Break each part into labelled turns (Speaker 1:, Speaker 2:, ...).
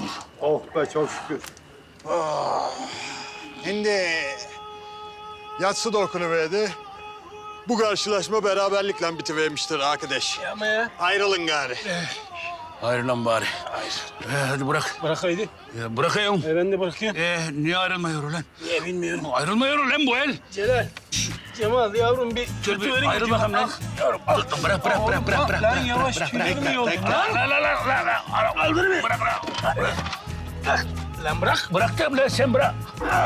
Speaker 1: Oh be çok şükür.
Speaker 2: Şimdi yatsı da okunuverdi. Bu karşılaşma beraberlikle bitivermiştir arkadaş.
Speaker 1: Ama ya.
Speaker 2: Ayrılın gari.
Speaker 3: Hayır lan bari. Hadi bırak.
Speaker 1: Bırak haydi.
Speaker 3: Bırakayım.
Speaker 1: Ben de bırakıyorum.
Speaker 3: Niye ayrılmıyor lan?
Speaker 1: Niye bilmiyorum.
Speaker 3: Ayrılmıyor lan bu el.
Speaker 1: Celal. Cemal yavrum bir
Speaker 3: Dur bir ayrıl bakalım lan. Yavrum, bırak.
Speaker 1: Lan yavaş tüylerim yok.
Speaker 3: Lan. Kaldır beni. Bırak.
Speaker 1: Lan bırak.
Speaker 3: Bıraktım lan sen bırak.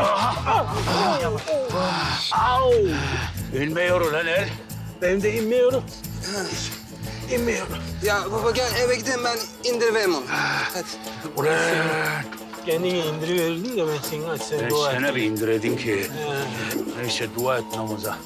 Speaker 3: Au. İnmiyor lan el.
Speaker 1: Ben de inmiyorum. İnmiyorum.
Speaker 4: Ya baba gel eve gidelim ben indiriveyim onu. Hadi.
Speaker 3: Ulan.
Speaker 1: Kendini indiriverdin de ben seni aç sen
Speaker 3: Ben
Speaker 1: dua et.
Speaker 3: sana bir indiredin ki. Neyse dua et namaza.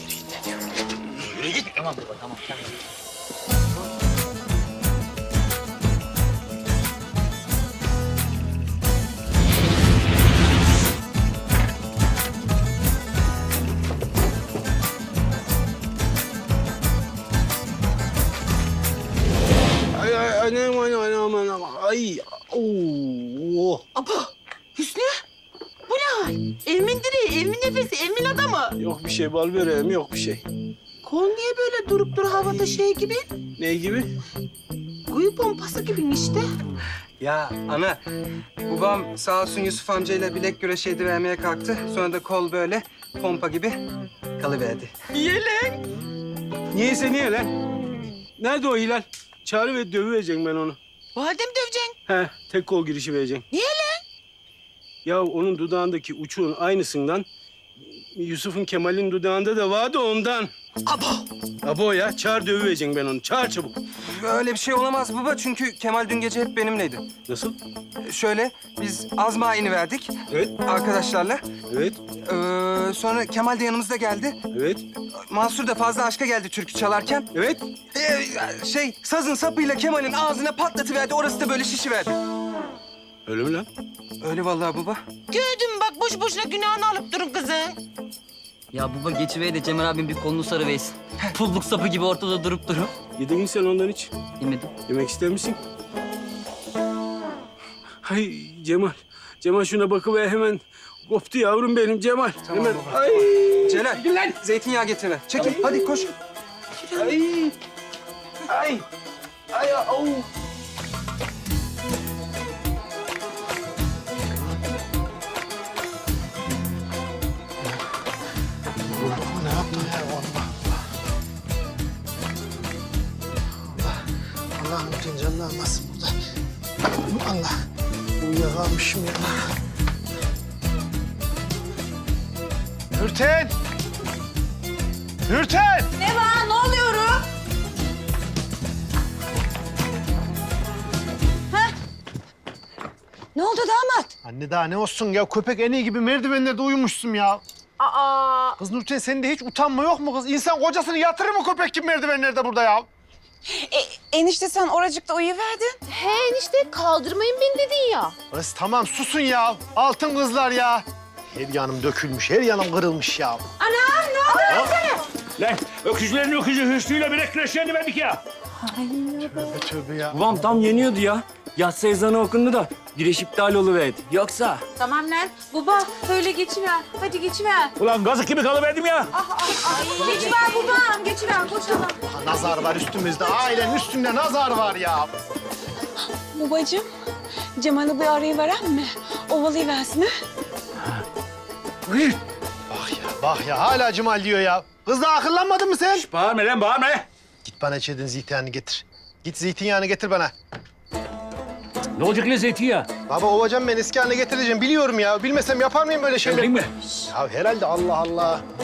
Speaker 1: Ay anam. Ay. Oo.
Speaker 5: Aba Hüsnü, bu ne hal? Elmin direği, elmin nefesi, elmin adamı.
Speaker 1: Yok bir şey bal böreğim yok bir şey.
Speaker 5: Kol niye böyle durup dur havada şey gibi?
Speaker 1: Ne gibi?
Speaker 5: Kuyu pompası gibi işte.
Speaker 4: Ya ana babam sağ olsun Yusuf amcayla bilek güreşi edivermeye kalktı. Sonra da kol böyle pompa gibi kalıverdi.
Speaker 5: Yelen.
Speaker 1: Niyeyse niye lan? Nerede o Hilal? Çağrı ve dövüvereceksin ben onu.
Speaker 5: Validem döveceksin.
Speaker 1: He, tek kol girişi vereceksin.
Speaker 5: Niye lan?
Speaker 1: Ya onun dudağındaki uçuğun aynısından Yusuf'un Kemal'in dudağında da vardı ondan.
Speaker 5: Abo.
Speaker 1: Abo ya, çağır dövüvereceksin ben onu. Çağır çabuk.
Speaker 4: Öyle bir şey olamaz baba çünkü Kemal dün gece hep benimleydi.
Speaker 1: Nasıl?
Speaker 4: Şöyle biz Azma verdik
Speaker 1: Evet,
Speaker 4: arkadaşlarla.
Speaker 1: evet,
Speaker 4: Sonra Kemal de yanımızda geldi.
Speaker 1: evet,
Speaker 4: Mansur da fazla aşka geldi türkü çalarken.
Speaker 1: evet.
Speaker 4: Sazın sapıyla Kemal'in ağzına patlatıverdi. Orası da böyle şişiverdi.
Speaker 1: Öyle mi lan?
Speaker 4: Öyle vallahi baba.
Speaker 5: Gördüm bak boş boşuna günahını alıp durun kızın.
Speaker 6: Ya baba geçivey de Cemal abim bir kolunu sarıversin. Pulluk sapı gibi ortada durup durup.
Speaker 1: Yedin mi sen ondan hiç?
Speaker 6: Yemedim.
Speaker 1: Yemek ister misin? Hay Cemal. Cemal şuna bakıver hemen. Koptu yavrum benim Cemal.
Speaker 4: Tamam
Speaker 1: hemen.
Speaker 4: baba.
Speaker 1: Ay.
Speaker 4: Celal, zeytinyağı getirme. Çekil, hadi koş.
Speaker 1: Ay. Ay. Ay. Au.
Speaker 7: Ne yaptın ya Allah Allah. Allah'ım bütün canını almasın burada. Allah. Uyuyakalmışım ya. Nurten! Nurten!
Speaker 5: Ne var? Ne oluyor? Ne oldu damat?
Speaker 7: Anne daha ne olsun ya? Köpek en iyi gibi merdivenlerde uyumuşsun ya.
Speaker 5: Aa.
Speaker 7: Kız Nurten sende hiç utanma yok mu kız? İnsan kocasını yatırır mı köpek gibi merdivenlerde burada ya?
Speaker 5: Enişte sen oracıkta uyuyuverdin.
Speaker 8: He enişte kaldırmayın beni dedin ya.
Speaker 7: Kız tamam susun ya. Altın kızlar ya. Her yanım dökülmüş, her yanım kırılmış ya.
Speaker 5: Anam ne oluyor sana?
Speaker 3: Lan öküzlerin öküzü Hüsnü'yle bilek güreşlerini verdik ya.
Speaker 7: Tövbe tövbe ya.
Speaker 9: Babam tam yeniyordu ya. Yatsı ezanı okundu da güreş iptal oluverdi. Yoksa...
Speaker 8: Tamam lan baba öyle geçiver. Hadi geçiver.
Speaker 3: Ulan gazık gibi kalıverdim ya.
Speaker 8: Geçiver babam geçiver koşalım.
Speaker 7: Nazar var üstümüzde. Ailenin üstünde nazar var ya.
Speaker 10: Babacığım, Cemal'i bir arayıveren mi? Ovalayıversin ha?
Speaker 7: Bak ya hala Cemal diyor ya. Kız daha akıllanmadın mı sen?
Speaker 3: Bağırma lan bağırma.
Speaker 7: Git bana içeriden zeytinyağını getir. Git zeytinyağını getir bana.
Speaker 3: Ne olacak lan zeytinyağı?
Speaker 7: Baba ovacağım ben eski haline getireceğim. Biliyorum ya. Bilmesem yapar mıyım böyle şeyler?
Speaker 3: Geldin mi?
Speaker 7: Ya herhalde Allah Allah.